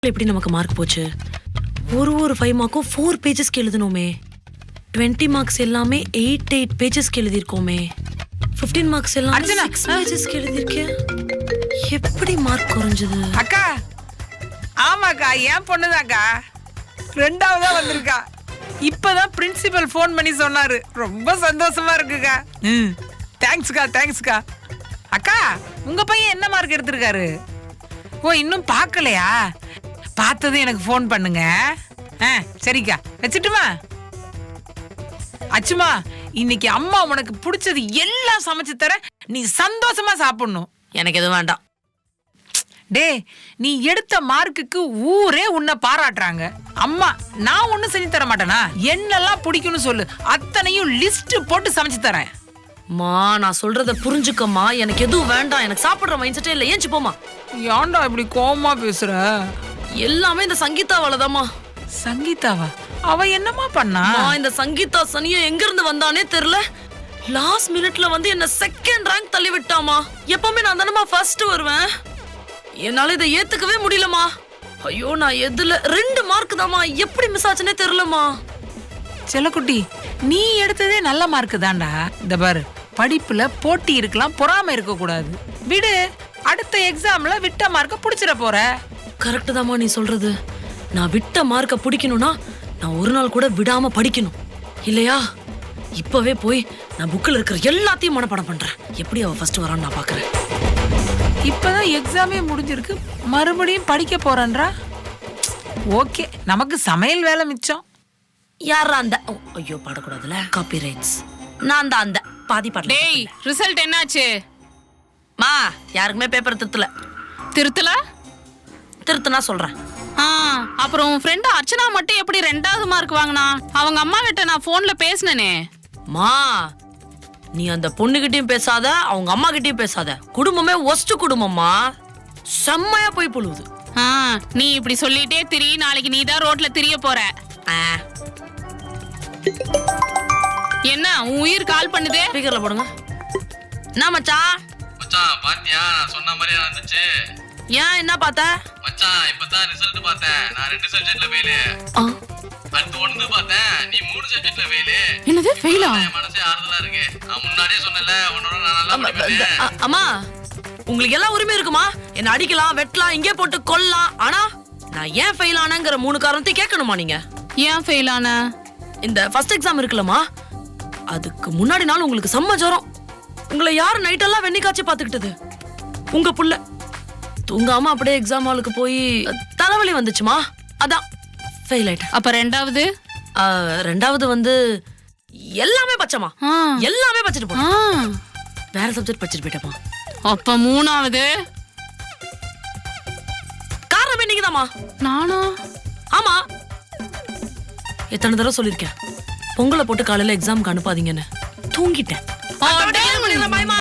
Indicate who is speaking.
Speaker 1: எப்படி நமக்கு மார்க் போச்சு? ஒரு 5 மார்க்கும் 4 பேஜஸ்க்கு எழுதணுமே. 20 மார்க்ஸ் எல்லாமே 8 பேஜஸ்க்கு எழுதியிருக்கோமே. 15 மார்க்ஸ் எல்லாமே 6 பேஜஸ்க்கு எழுதியிருக்கேன். எப்படி மார்க் குறைஞ்சது?
Speaker 2: அக்கா, ஆமாக்கா, என் பொண்ணுதாக்கா. 2ஆவதா வந்திருக்கா. இப்பதான் பிரின்சிபல் ஃபோன் பண்ணி சொன்னாரு. ரொம்ப சந்தோஷமா இருக்குக்கா. தேங்க்ஸ்க்கா. அக்கா, உங்க பையன் என்ன மார்க் எடுத்திருக்காரு? ஓ, இன்னும் பார்க்கலையா? பார்த்ததும் எனக்கு ஃபோன் பண்ணுங்க. சரிக்கா, வச்சுட்டுமா? அச்சுமா, இன்னைக்கு அம்மா உனக்கு பிடிச்சது எல்லாம் சமைச்சு தர, நீ சந்தோஷமா சாப்பிடணும்.
Speaker 1: எனக்கு எதுவும் வேண்டாம்.
Speaker 2: டே, நீ எடுத்த மார்க்குக்கு ஊரே உன்னை பாராட்டுறாங்க. அம்மா, நான் ஒண்ணும் செஞ்சு தர மாட்டேனா? என்னெல்லாம் பிடிக்கும்னு சொல்லு, அத்தனையும் லிஸ்ட் போட்டு சமைச்சு தரேன்.
Speaker 1: மா, நான் சொல்றத புரிஞ்சுக்கம்மா. எனக்கு எதுவும் வேண்டாம். எனக்கு சாப்பிடுற மைண்ட் செட்டே இல்லை. ஏஞ்சி போமா.
Speaker 2: ஏன்டா இப்படி கோவமா பேசுற?
Speaker 1: எல்லாமே இந்த சங்கீதாவாலதாம்மா.
Speaker 2: சங்கீதாவா? அவ என்னமா பண்ணா?
Speaker 1: இந்த சங்கீதா சனியா எங்க இருந்து வந்தானே தெரியல. லாஸ்ட் மினிட்ல வந்து என்ன செகண்ட் ரேங்க் தள்ளி விட்டாமா. எப்பவுமே நான் தானமா ஃபர்ஸ்ட் வருவேன். என்னால இதை ஏத்துக்கவே முடியலமா. ஐயோ, நான் எதுல 2 மார்க் தாமா. எப்படி மிஸ் ஆச்சுன்னே தெரியலமா.
Speaker 2: செல்லக்குட்டி, நீ எடுத்ததே நல்ல மார்க் தான்டா. இந்த பாரு, படிப்புல போட்டி இருக்கலாம், பொறாம இருக்க கூடாது. விடு, அடுத்த எக்ஸாம்ல விட்ட மார்க்க புடிச்சிட போற.
Speaker 1: கரெக்ட் தாமா நீ சொல்றது. நான் விட்ட மார்க்க பிடிக்கணும்னா நான் ஒரு நாள் கூட விடாம படிக்கணும் இல்லையா? இப்பவே போய் நான் புக்கில் இருக்கிற எல்லாத்தையும் மனப்பாடம் பண்றேன். எப்படி அவ ஃபர்ஸ்ட் வரான்னு நான் பாக்குறேன்.
Speaker 2: இப்பதான் எக்ஸாமே முடிஞ்சிருக்கு, மறுபடியும் படிக்க போறேன்றா. ஓகே, நமக்கு சமையல் வேலை மிச்சம்.
Speaker 1: யாரா அந்த? ஐயோ, பாடக்கூடாதுல, காப்பி ரைட்ஸ். நான் தான் அந்த பாதி பாடல.
Speaker 3: டேய், ரிசல்ட் என்னாச்சு?
Speaker 1: மா, யாருக்குமே பேப்பர்
Speaker 3: திருத்தல?
Speaker 1: திருத்துனா சொல்றேன்.
Speaker 3: அப்புறம் உன் ஃப்ரெண்ட் அர்ச்சனா மட்டும் எப்படி 2வது மார்க் வாங்கினா? அவங்க அம்மா கிட்ட நான் போன்ல பேசினேனே.
Speaker 1: மா, நீ அந்த பொண்ணுகிட்டயும் பேசாத, அவங்க அம்மா கிட்டயும் பேசாத. குடும்பமே ஒஸ்ட் குடும்பம்மா. செம்மையா போய் புழுவுது.
Speaker 3: நீ இப்படி சொல்லிட்டே திரி, நாளைக்கு நீ தான் ரோட்ல திரிய போற. என்ன உன் உயிர் கால் பண்ணுதே?
Speaker 1: ஸ்பீக்கர்ல போடுங்க. என்ன மச்சான்?
Speaker 4: மச்சான், பாத்தியா? நான் சொன்ன மாதிரியே நடந்துச்சு.
Speaker 1: ஏன், என்ன பார்த்த?
Speaker 4: மச்சான், இப்பதான் ரிசல்ட் பார்த்தேன். நான் 2 சப்ஜெக்ட்ல ஃபெயில். அடுத்து 1 பார்த்தேன். நீ 3 சப்ஜெக்ட்ல ஃபெயில்.
Speaker 3: என்னது ஃபெயிலா?
Speaker 4: என் மனசே ஆறுதலா இருக்கு. நான் முன்னாடியே சொன்னல, உன்னோட நான் நல்லா படிப்பேன்.
Speaker 1: அம்மா, உங்களுக்கு எல்லா உரிமை இருக்குமா? என்ன அடிக்கலாம், வெட்டலாம், இங்கே போட்டு கொல்லலாம். ஆனா நான் ஏன் ஃபெயில் ஆனேங்கிற 3 காரணத்தை கேட்கணுமா நீங்க?
Speaker 3: ஏன் ஃபெயில் ஆன?
Speaker 1: இந்த ஃபர்ஸ்ட் எக்ஸாம் இருக்குல்லம்மா, அதுக்கு முன்னாடி நாள் உங்களுக்கு செம்ம ஜுரம். உங்களை யார் நைட்டெல்லாம் வெண்ணி காய்ச்சி பாத்துக்கிட்டது? உங்க புள்ள தூங்காம அப்படியே எக்ஸாம் ஹாலுக்கு போய் தலைவலி வந்துச்சுமா. அதான் ஃபெயில் ஆயிட்டேன்.
Speaker 3: அப்ப 2வது?
Speaker 1: 2வது வந்து எல்லாமே பச்சைமா. எல்லாமே பச்சிட்டு போ. வேற சப்ஜெக்ட் பச்சிட்டு போயிட்டேமா.
Speaker 3: அப்ப 3வது?
Speaker 1: காரணம் நீங்கதாம்மா.
Speaker 3: நானா?
Speaker 1: ஆமா, எத்தனை தடவை சொல்லிருக்கேன், பொங்கலை போட்டு காலையில எக்ஸாமுக்கு அனுப்பாதீங்கன்னு. தூங்கிட்டேன்.